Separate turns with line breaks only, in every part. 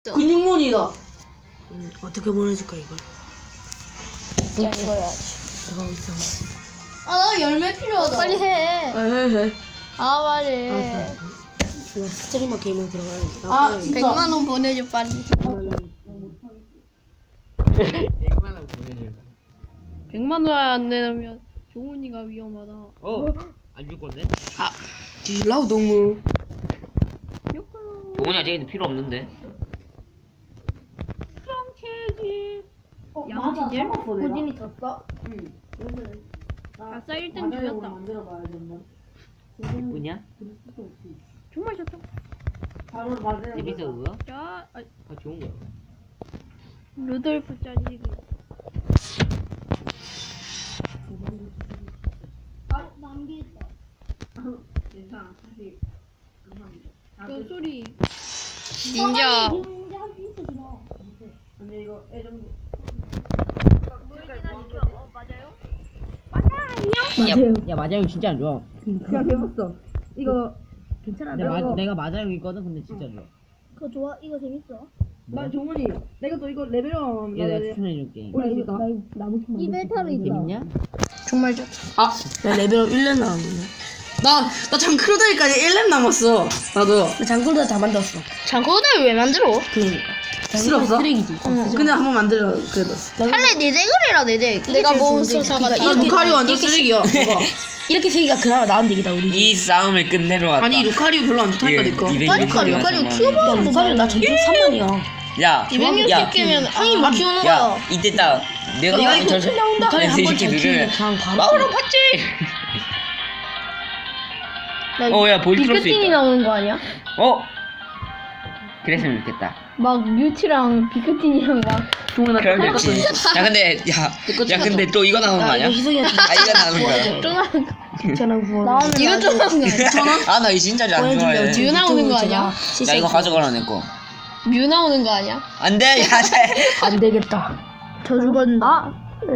근육몬이다.
어떻게 보내줄까 이걸?
야 이거 해야지.
이거 있어.
나 열매 필요하다. 빨리 해.
해.
빨리.
이거 스트리머 게임에 들어가야겠다.
100만 원 보내줘 빨리.
100만 원 보내줘.
100만 원 안 내면 종훈이가 위험하다.
안 줄 건데?
뒤질라고 너무.
동훈이가 쟤는 필요 없는데.
양치질? 고진이 졌어?
응.
아싸 1등 죽였다.
만들어봐야지 한번.
예쁘냐?
정말 좋다.
바로 맞아요.
재밌어 그거?
자,
좋은 거야.
루돌프 짜지기. 남기했다.
괜찮아. 사실 감사합니다.
그 소리. 닌자.
근데 이거 애정도.
야 마자용 진짜 안 좋아.
그냥 해봤어. 이거 괜찮아.
내가 마자용이거든. 근데 진짜 좋아.
그거 좋아? 이거 재밌어?
나 종훈이 내가 또 이거 레벨업
얘 내가 추천해줄게.
올릴 수 있다.
이 베타로 있어.
재밌냐?
정말 좋다.
나 레벨업 1년 남았네.
나 장크로다이까지 1렙 남았어. 나도.
나 장군도 다 만들었어.
장고대를 왜 만들어?
그러니까.
필요 없어?
쓰레기지.
근데 한번 만들어 그래도.
할래 내 덱을해라 내 덱. 내가 몬스터 사가
나 루카리오 완전 쓰레기야. 봐봐.
이렇게 세기가 그나마 나은 덱이다 우리.
이 싸움을 끝내러 왔다.
아니 루카리오 별로 안 좋다니까 내 거.
루카리오 키워봐.
루카리오 나 전투 3만이야.
야,
260개면 형이 못 키우는
야,
거야.
이때 딱 내가
이거
저
루카리 한번 잘
새끼들을
키우면 그냥 바로.
마으로 봤지. 야 볼트로스
비크틴이
있다.
나오는 거 아니야?
그랬으면 좋겠다.
막 뮤티랑 비크틴이랑 막
종훈아
그럼 좋지. 야 근데 근데 또 이거 나오는 거 아니야?
희성이한테
이거 나오는 거야.
쫀한
괜찮아 구워.
이거 쫀한 거 아니야?
나 이 진짜 안 좋아해.
뮤 나오는 거 아니야?
야 이거 가져가라 내 거.
뮤 나오는 거 아니야?
안 돼, 야 돼.
안 되겠다.
저 죽었나?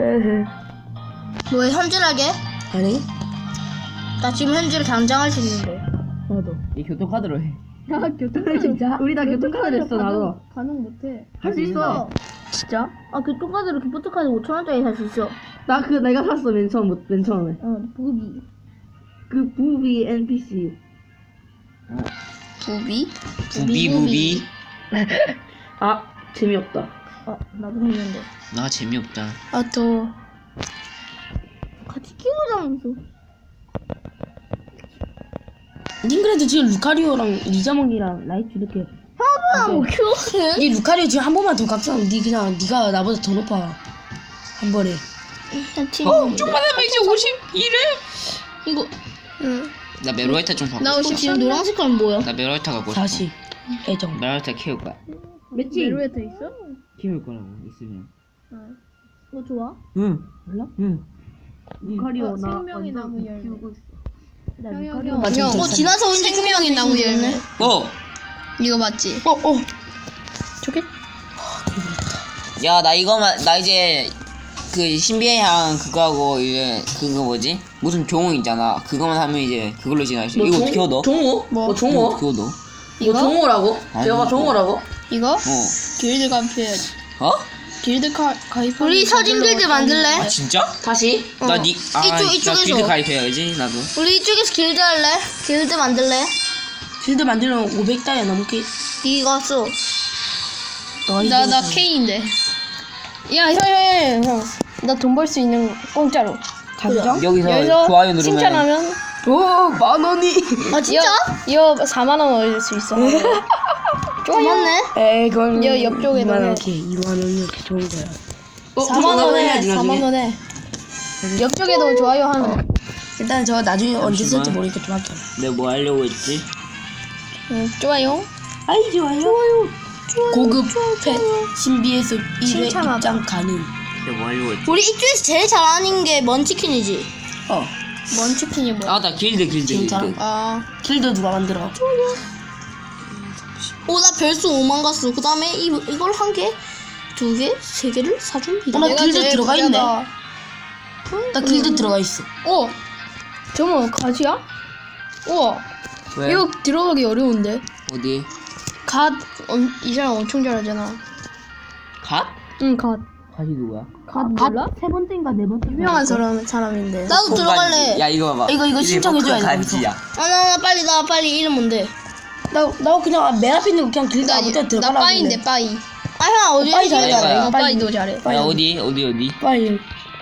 뭐 현질하게?
아니?
나 지금 현질 당장 할 수 있는데.
나도.
이 교통카드로 해.
야 교통카드
진짜?
우리 다 교통카드 냈어 나도.
가능 못해.
할 수 있어.
진짜? 아 교통카드로 기프트카드 5,000원짜리 살 수 있어.
나 내가 샀어 맨 처음에.
부비.
그 부비 NPC.
부비?
부비.
아 재미없다.
나도 했는데.
나 재미없다.
아 또. 같이 키우자면서.
닌 그래도 지금 루카리오랑 리자몽이랑 라이트 이렇게.
뭐 키우는?
니 루카리오 지금 한 번만 더 각성. 니 그냥 니가 나보다 더 높아. 한 번에.
좀만 하면 이제 51회? 이거. 응.
나 메로이타 좀 바꿔.
나 혹시 지금 노란 색깔은 뭐야?
나 메로이타 갖고 싶어.
다시 애정.
메로이타 키울 거야.
맺지?
메로에터 있어?
키울 거라고 있으면.
그거 좋아?
응.
몰라?
응.
루카리오 나
생명의 나무
완전
열매.
키우고 있어.
맞아.
지나서 온 생명의 나무 열매. 이거 맞지? 저게?
야 나 이거만 나 이제 그 신비의 향 그거 하고 이제 그거 뭐지? 무슨 종호 있잖아. 그거만 하면 이제 그걸로 지나갈 수. 이거 어떻게 얻어?
종호?
뭐?
종호?
그거 넣어?
이거 종호라고?
아니,
제가
이거.
종호라고?
이거? 길드 가입해야지. 길드 가입. 우리 서진 길드 만들래?
아 진짜?
다시?
나
이쪽에서.
길드 가입해야지 나도.
우리 이쪽에서 길드 할래? 길드 만들래?
길드 만들면 500달러 넘게.
이거 써.
나
나 K인데. 야, 형. 나 돈 벌 수 있는 거 공짜로.
가정?
여기서 좋아요 누르면
칭찬하면.
오 10,000원이.
아, 진짜? 이거 4만 원 얻을 수 있어. 좋았네.
에이 그건
여 옆쪽에
2만
넣어야
원. 2만 원이 이렇게 좋은 거야.
4만 원에 4만 원에. 옆쪽에도 좋아요 하나.
일단 저 나중에 언제 쓸지
잠시만.
모르니까 좀 할게요.
내가 뭐 하려고 했지?
좋아요.
아이 좋아요. 고급 펫 신비에서 1회
칭찬하다.
입장 가능.
내가 뭐 하려고 했지?
우리 이쪽에서 제일 잘하는 게 먼치킨이지. 먼치킨이 뭐야?
나 길드.
진짜?
아.
길드 누가 만들어?
나 별수 5만 갔어. 그 다음에 이걸 한 개, 두 개, 세 개를 사줍니다.
나 길드 들어가 있네. 나 길드 들어가 있어.
저거 가지야? 우와.
왜?
이거 들어가기 어려운데.
어디?
이 사람 엄청 잘하잖아.
갓?
응, 갓.
갓이 누구야?
갓 몰라?
세 번째인가 네 번째.
유명한 사람인데.
나도 들어갈래.
야 이거 봐봐.
이거 신청해줘야 돼,
간지야.
나 빨리 이름 뭔데? 나 그냥 맨 앞에 있는 거 그냥 길다 아무 데나
나
들어가라.
빠이인데 빠이.
아, 형 어디
빠이
있어?
잘해. 빠이도 잘해.
야 어디?
빨리.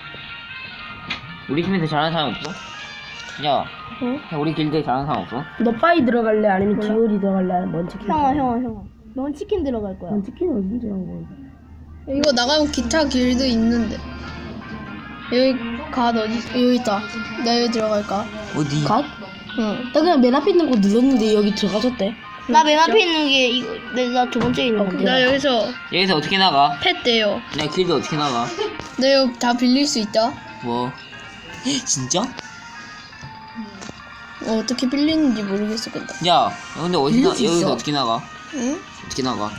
우리 팀에서 잘하는 사람 없어? 야, 야 우리 길드에 잘하는 사람 없어?
너 빠이 들어갈래? 아니면 기울이 들어갈래? 아니면 먼치킨?
형아. 넌 치킨 들어갈 거야.
먼치킨은 어딘지 한 거야?
이거 나가면 기타 길도 있는데. 여기 갓 어디? 여기 있다. 나 여기 들어갈까?
어디?
갓?
응.
나 그냥 맨 앞에 있는 거 눌렀는데 여기 들어가졌대.
나 맨 앞에 있는 게 이거 나 두 번째 있는 건데.
나 여기서
여기서 어떻게 나가?
펫 돼요.
야 길드 어떻게 나가?
나 여기 다 빌릴 수 있다.
뭐? 진짜?
어떻게 빌리는지 모르겠어 근데.
야, 근데 어디 나?
빌릴 수 있어.
여기서 어떻게 나가?
응?
어떻게 나가?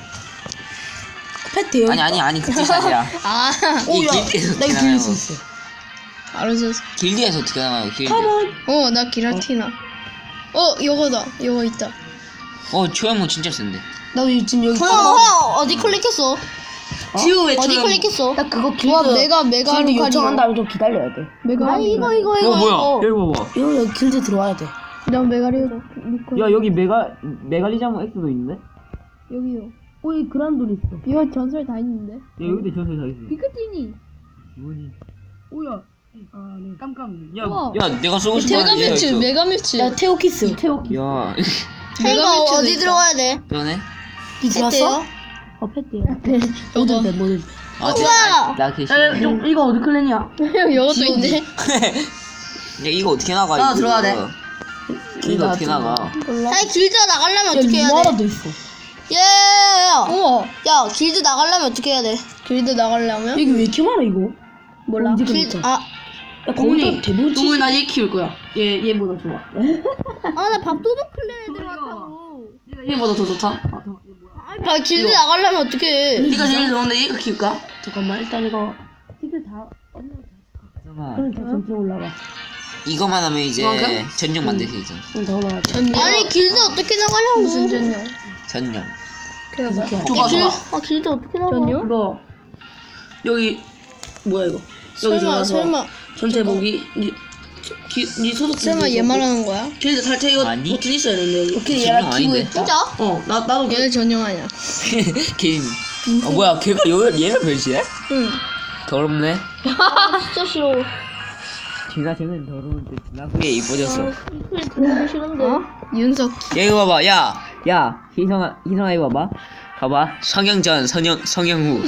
펫 돼요.
아니 그 뜻이 아니라
아,
이 길드에서
나
어떻게
이거
나가요?
빌릴 수 있어.
알았어.
길드에서 어떻게 나가요? 길드.
나 기라티나. 요거다. 요거 있다.
초연모 진짜 센데.
나 지금 여기.
형 어디 클릭했어?
지우 왜
어디 클릭했어?
나 그거 길드.
와, 메가
길드 요청한
루카리오.
다음에 좀 기다려야 돼.
메가.
아니 이거
여기 봐봐.
이거 여기 길드 들어와야 돼.
난 메가리오.
야 여기 메갈리자모 X도 있는데? 야
여기요.
오이 그란돌 있어.
이거 전설 다 있는데.
여기도 전설 다 있어.
피크티니.
뭐지?
오야. 아, 네. 깜깜.
야 내가 쏘고 싶은
메가뮤츠. 메가뮤츠.
야 태오키스. 태오키.
야
형아 어디 들어가야 돼?
그러네.
니 들어왔어? 펫이야. 뭐든 돼 뭐든.
우와!
나 걔.
야, 좀 이거 어디 클랜이야?
형 요것도 있네.
야 이거 어떻게 나가?
나
이거?
들어가야 돼.
길드 어떻게 나가?
몰라.
아니 길드 나가려면 어떻게 해야 돼?
루마라도 있어.
우와.
야 길드 나가려면 어떻게 해야 돼?
길드 나가려면?
여기 왜 이렇게 많아 이거?
몰라.
길드 아
야, 동훈이
대부분
동훈이 나얘 키울 거야. 얘보다 좋아.
아 나 밥도둑 클랜에 들어왔다고.
얘보다 더 좋다.
아 길드 나가려면 어떻게 해?
네가 제일 좋은데 얘가 키울까? 잠깐만 일단 이거 티켓 다
잠깐만.
그럼 다 전체 올라가.
이거만 하면 이제
그만큼?
전용 만들 수 있잖아.
그럼 더 올라가.
아니 길드 어떻게 나가냐고.
무슨 전용?
전용.
그래 봐.
줘봐 줘봐.
아 길드 어떻게 나가?
전용?
이거 여기 뭐야 이거? 여기 들어가서
설마
전체 보기 니 소속
얘 말하는 거야?
길드 탈퇴 이거
아니?
버튼 있어야 되는데 여기. 오케이
전용
얘가 키고
아닌데?
있다.
진짜?
나도
얘는 전용 아니야.
개인. 뭐야 걔가 얘를 변신해?
응.
더럽네.
진짜 싫어.
걔가 쟤는 더러운데 지난 후에 이뻐졌어.
너무 싫은데.
윤석.
야 이거 봐봐. 야 희성아 이거 봐봐. 봐봐. 성형전 성형 후.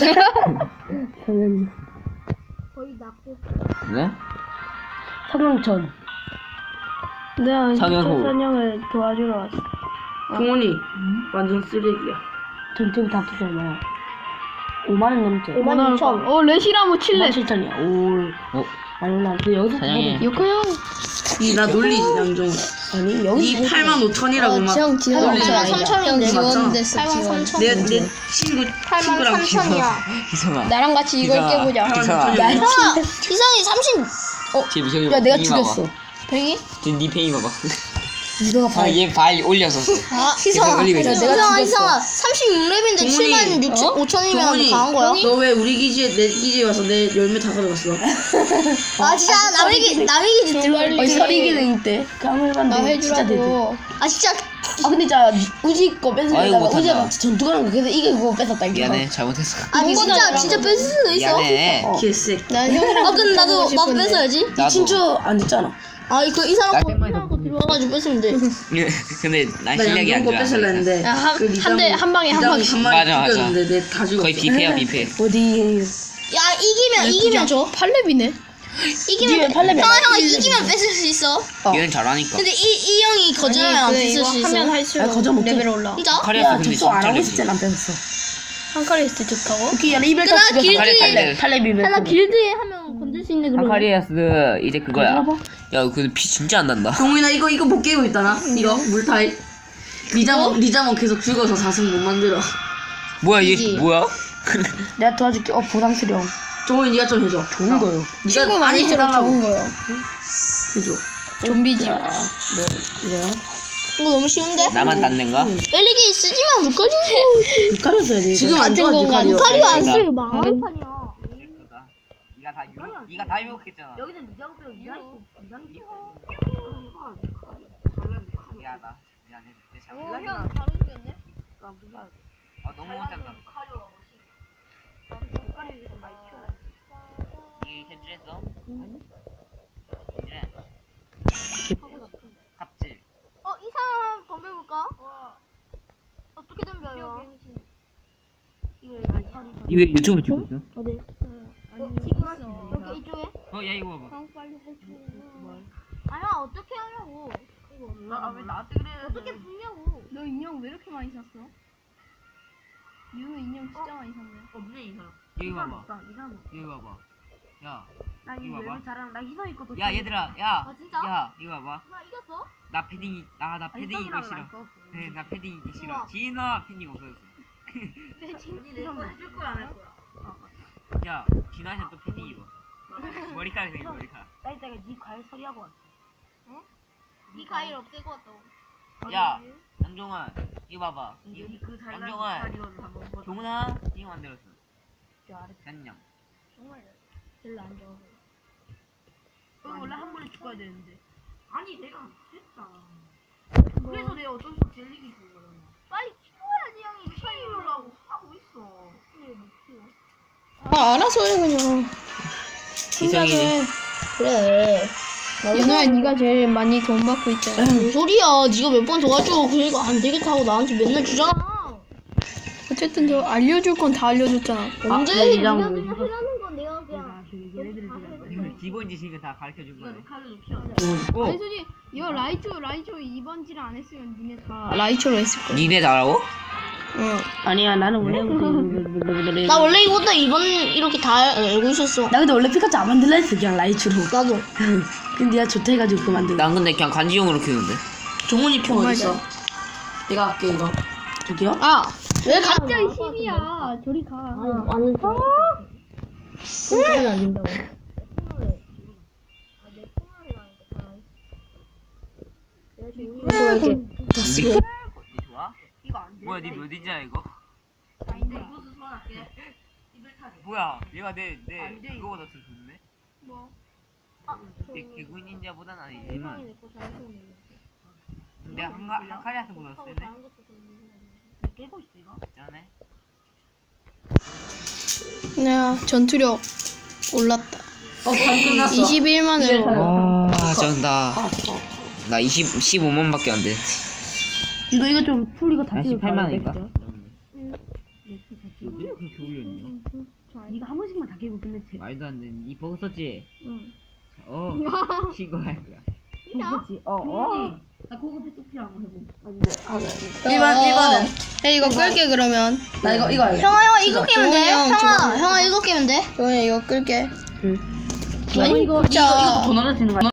당연히
거의 낫고.
네?
성형천.
내가
성형 후.
선영을 도와주러 왔어.
동훈이 완전 쓰레기야. 전체 다 합쳐서 얼마야? 5만 원 넘지.
5만 6천.
레시라모
5만 7천이야. 오.
어?
아니 나 여기서
사장님.
요코요.
나 놀리지 양종. 아니 여기 8만 5천이라고 막.
형 지원.
놀리지 마.
8만 3천인데.
지원됐어.
8만
지원.
3천.
내 친구
8만
친구랑
3천이야.
희성아.
나랑 같이 이걸
기사.
깨보자.
희성아.
야,
이상아 이상이 30.
쟤 미성이
야 내가 죽였어.
뱅이?
쟤네 팽이 봐봐.
이거가 봐.
얘발 올렸었어.
아 희성아.
올리고 있어.
희성아 희성아 36렙인데
동훈이.
7만 6천 5천이면
동훈이
강한 거야?
너 왜 우리 기지에 내 기지에 와서 내 열매 다 가져갔어?
아 진짜 남의 기지 들어갈
어이
때.
서리기능 때 까물만
나
진짜 되지.
해주라고.
아 진짜
아 근데 진짜 우지 거
아이고,
뺏으려다가
못한다.
우지가 막 전투가는 거 그래서 이게 그거 뺏었다 이거.
미안해 잘못했어.
아니 진짜 뺏을 수도 있어.
미안해.
개색.
난 형이랑
아 근데 나도
붙어보고 싶은데.
뺏어야지.
나도.
친추 안 됐잖아.
아 이거 이 사람
나
거
땡만이
이 사람
더
거 들어와가지고 뺏으면 돼.
근데 난
나
실력이 안
양종 거
좋아.
뺏으려 했는데
야, 한-
그
한 대- 한 방에 한 방에.
한 마리
맞아.
죽였는데 내 다 죽었어.
거의 뷔페야 뷔페.
어디?
야 이기면 줘.
8렙이네.
이기면
팔레면
형아 이기면 뺏을 수 있어.
얘는 잘하니까.
근데 이 형이 거절하면 안 뺏을 수 있어.
하면 할수록
아, 거절 못해.
레벨 올라.
진짜?
카리아스
야
근데
접속 안
진짜
하고
렉이.
있을 땐안 뺏었어.
한카리스트 좋다고?
오케이 야 이별 다
그나
죽였어.
길드에
팔레비
하나 길드에 하면 건들 수 있네 그러면.
한카리아스 이제 그거야.
봐봐.
야 근데 피 진짜 안 난다.
동훈아 이거 못 깨고 있다나? 이거 물타입. 리자몬 계속 죽어서 4승 못 만들어.
뭐야
이지.
얘 뭐야?
내가 도와줄게. 부담스러워. 종훈이 네가 좀 해줘. 좋은 거요.
친구 많이 들어 좋은 거요.
해줘.
좀비지.
네, 이래요.
이거 너무 쉬운데?
나만 땄는가?
LED 쓰지만 루카리오.
루카리오 써야 돼.
지금 안
좋아,
좋은 건가?
루카리오 안
그러니까.
쓰고 망한판이야.
네가 다 유혹했잖아.
여기는 니장 빼고 니장
미안하다. 미안해. 내 잘못.
형 다른 생겼네?
너무 못한다. 이게 현질했어? 현질해. 갑질.
이 사람 덤벼볼까? 어떻게 덤벼요?
이왜 유튜브 찍고 있어?
여기 이쪽에?
야 이거 봐봐.
아니야 어떻게 하냐고.
왜 나한테 그래?
어떻게 붙냐고. 너 인형 왜 이렇게 많이 샀어? 윤우 인형 진짜 많이 샀네.
없네 이 사람.
여기 봐봐.
이 사람.
여기 봐봐. 야.
나
이거
이거
봐봐.
왜 잘하는? 나 희성이 것도.
야 얘들아. 야.
아, 진짜?
야 이거 봐봐.
나 이겼어?
나 패딩 나 패딩 이거 싫어. 네, 나 패딩 이거 싫어.
우와.
진아 패딩 없어졌어.
희성 해줄 거야 안 할 거야?
야 진아한테 또 패딩 입어. 머리카락 생겨 머리카락.
나 이따가 네 과일 처리하고 왔어.
이 과일 없애고 왔다고.
야 안종환 이거 봐봐.
그 잘난
안정환.
과일을 한번 봐.
종훈아 이거 만들었어. 안녕.
정말 별로 안 좋아서.
원래 한 번에 죽어야 되는데. 아니 내가 했다.
뭐?
그래서 내가 어쩔 수 없이 젤리기 준 거잖아.
빨리 키워야지 형이.
키우려고 하고 있어.
알아서 해 그냥.
희성이네.
그래.
윤호야 네가 제일 많이 돈 받고 있잖아.
뭔 소리야? 네가 몇 번 도와줘. 그러니까 안 되겠다 하고 나한테 맨날 주잖아.
어쨌든 저 알려줄 건 다 알려줬잖아.
언제?
내 니장
하라는 건 내가 그냥.
얘네들이 지금
기본 지식은 다 가르쳐 준 거야.
칼로 키워.
아니 솔직히 이거 라이초 이번 질을 안 했으면 니네 다 라이초로 했을 거야.
니네 나라고?
응.
아니야 나는 원래
나 원래 이거보다 이번 이렇게 다 알고 있었어.
나 근데 원래 피카츄 안 만들라 했어 그냥 라이츠로.
나도.
근데 내가 좋다 해가지고 그거 만들어.
난 근데 그냥 관지용으로 키우는데.
종훈이 표
정말
어딨어? 내가 할게 이거.
저기요?
아
왜 가?
갑자기 10이야. 저리 가.
아니. 그건 안 된다고.
니 좋아?
이거 안 돼.
뭐야 니 몇인지 알아 이거?
아닌데 이것도 소환할게. 이걸 타게.
뭐야 얘가 내
안 돼,
그거보다 더 좋네?
뭐?
내 개구 닌자보단 아니지만 내가 한카리아스보다 세네?
깨고 있어 이거.
짠해?
내가 전투력 올랐다.
반 끝났어.
21만으로.
아 쩐다. 나 15만밖에 안 돼.
이거 좀 풀이가 다
아,
찍을
18만 원인가?
거야.
그렇게 올렸냐?
네가 한 번씩만 다 깨고 끝냈지.
말도 안 되는 이 버그 썼지?
응.
이거 할 거야.
그렇지. 나 그거 또 필요한 거 해보.
1번은?
야 이거 끌게 그러면.
나 이거 할래.
형아 이거 끼면 돼. 형아 이거 끼면 돼. 형아 이거 끌게.
이거
자.
더 넣어도 되는 거야.